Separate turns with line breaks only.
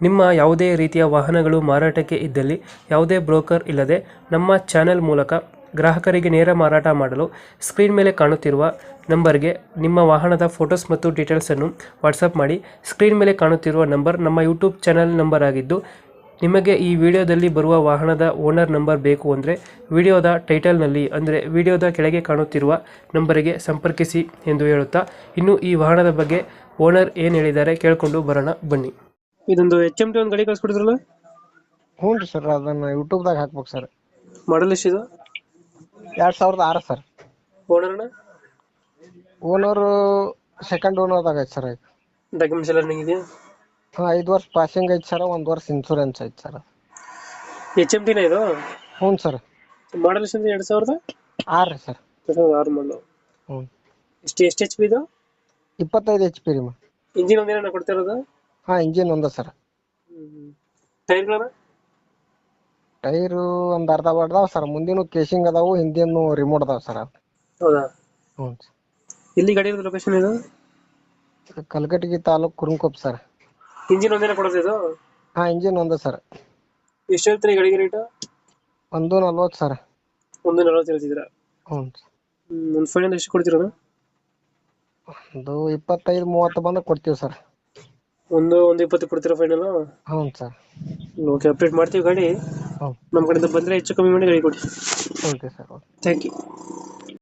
ನಿಮ್ಮ ಯಾವುದೇ ರೀತಿಯ ವಾಹನಗಳು ಮಾರಾಟಕ್ಕೆ ಇದ್ದಲ್ಲಿ ಯಾವುದೇ ಬ್ರೋಕರ್ ಇಲ್ಲದೆ ನಮ್ಮ ಚಾನೆಲ್ ಮೂಲಕ ಗ್ರಾಹಕರಿಗೆ ನೇರ ಮಾರಾಟ ಮಾಡಲು ಸ್ಕ್ರೀನ್ ಮೇಲೆ ಕಾಣುತ್ತಿರುವ ನಂಬರ್ಗೆ ನಿಮ್ಮ ವಾಹನದ ಫೋಟೋಸ್ ಮತ್ತು ಡೀಟೇಲ್ಸನ್ನು ವಾಟ್ಸಪ್ ಮಾಡಿ. ಸ್ಕ್ರೀನ್ ಮೇಲೆ ಕಾಣುತ್ತಿರುವ ನಂಬರ್ ನಮ್ಮ ಯೂಟ್ಯೂಬ್ ಚಾನೆಲ್ ನಂಬರ್ ಆಗಿದ್ದು, ನಿಮಗೆ ಈ ವಿಡಿಯೋದಲ್ಲಿ ಬರುವ ವಾಹನದ ಓನರ್ ನಂಬರ್ ಬೇಕು ಅಂದರೆ ವಿಡಿಯೋದ ಟೈಟಲ್ನಲ್ಲಿ ಅಂದರೆ ವಿಡಿಯೋದ ಕೆಳಗೆ ಕಾಣುತ್ತಿರುವ ನಂಬರಿಗೆ ಸಂಪರ್ಕಿಸಿ ಎಂದು ಹೇಳುತ್ತಾ, ಇನ್ನು ಈ ವಾಹನದ ಬಗ್ಗೆ ಓನರ್ ಏನು ಹೇಳಿದ್ದಾರೆ ಕೇಳಿಕೊಂಡು ಬರೋಣ ಬನ್ನಿ. ಇದೊಂದು HMT ಒಂದು ಗಾಡಿ ಕಳ್ಸ್ಕೊಡಿದ್ರಲ್ಲ?
ಹ್ಞೂ ರೀ ಸರ್, ಅದನ್ನ ಯೂಟ್ಯೂಬ್ದಾಗ ಹಾಕ್ಬೇಕು ಸರ್.
ಮಾಡಲ್ ಎಷ್ಟಿದೆ?
2006 ಸರ್.
ಓನರ್ನ
ಓನರು ಸೆಕೆಂಡ್ ಓನರ್ದಾಗ ಐತೆ ಸರ್.
ಡಾಕ್ಯುಮೆಂಟ್ಸ್ ಎಲ್ಲ ರನ್ನಿಂಗ್ ಇದೆಯಾ?
5 ವರ್ಷ ಪಾಸಿಂಗ್ ಐತೆ ಸರ್, 1 ವರ್ಷ ಇನ್ಶೂರೆನ್ಸ್ ಐತೆ ಸರ್.
HMTನ ಇದು?
ಹ್ಞೂ ಸರ್.
ಮಾಡಲ್ ಎಷ್ಟಿದೆ? 2006
ರೀ ಸರ್.
2006 ಮಾಡಲು.
ಹ್ಞೂ.
ಎಷ್ಟು HP ಇದು?
25 HP ರೀ.
ಇಂಜಿನ್ ಒಂದೇನ ಕೊಡ್ತಾ ಇರೋದು?
ಹಾಂ, ಇಂಜಿನ್ ಒಂದ ಸರ್.
ಟೈರ್ಗಳನ್ನ?
ಟೈರು ಒಂದು ಅರ್ಧ ಬರ್ದಾವ ಸರ್. ಮುಂದಿನ ಕೇಸಿಂಗ್ ಅದಾವು, ಹಿಂದಿನ ರಿಮೋಟ್ ಅದಾವ ಸರ್.
ಹೌದಾ?
ಹ್ಞೂ.
ಎಲ್ಲಿ ಗಾಡಿ ಇರೋದು? ಲೊಕೇಶನ್ ಇದು?
ಕಲಘಟಗಿ ತಾಲೂಕು ಕುರುಂಕೊಪ್ಪ ಸರ್.
ಇಂಜಿನ್ ಒಂದೇನ ಕೊಡೋದು ಇದು?
ಹಾಂ, ಇಂಜಿನ್ ಒಂದ ಸರ್.
ಎಷ್ಟು ಹೇಳ್ತೀರಿ ಈ ಗಾಡಿಗೆ ರೇಟ್?
140 ಸರ್.
140 ಹೇಳ್ತಿದ್ದೀರಾ?
ಹ್ಞೂ.
ಒಂದು ಫೈನಲ್ ಎಷ್ಟು ಕೊಡ್ತೀರಾ?
ಒಂದು 25-30 ಬಂದ ಕೊಡ್ತೀವಿ ಸರ್.
ಒಂದು 20 ಕೊಡ್ತೀರಾ ಫೈನಲ್?
ಹ್ಞೂ ಸರ್.
ಓಕೆ, ಅಪ್ಡೇಟ್ ಮಾಡ್ತೀವಿ ಗಾಡಿ.
ಹ್ಞೂ.
ನಮ್ಮ ಕಡೆಯಿಂದ ಬಂದರೆ ಹೆಚ್ಚು ಕಮ್ಮಿ ಮಾಡಿ ಗಾಡಿ ಕೊಡಿ.
Okay sir.
Thank you.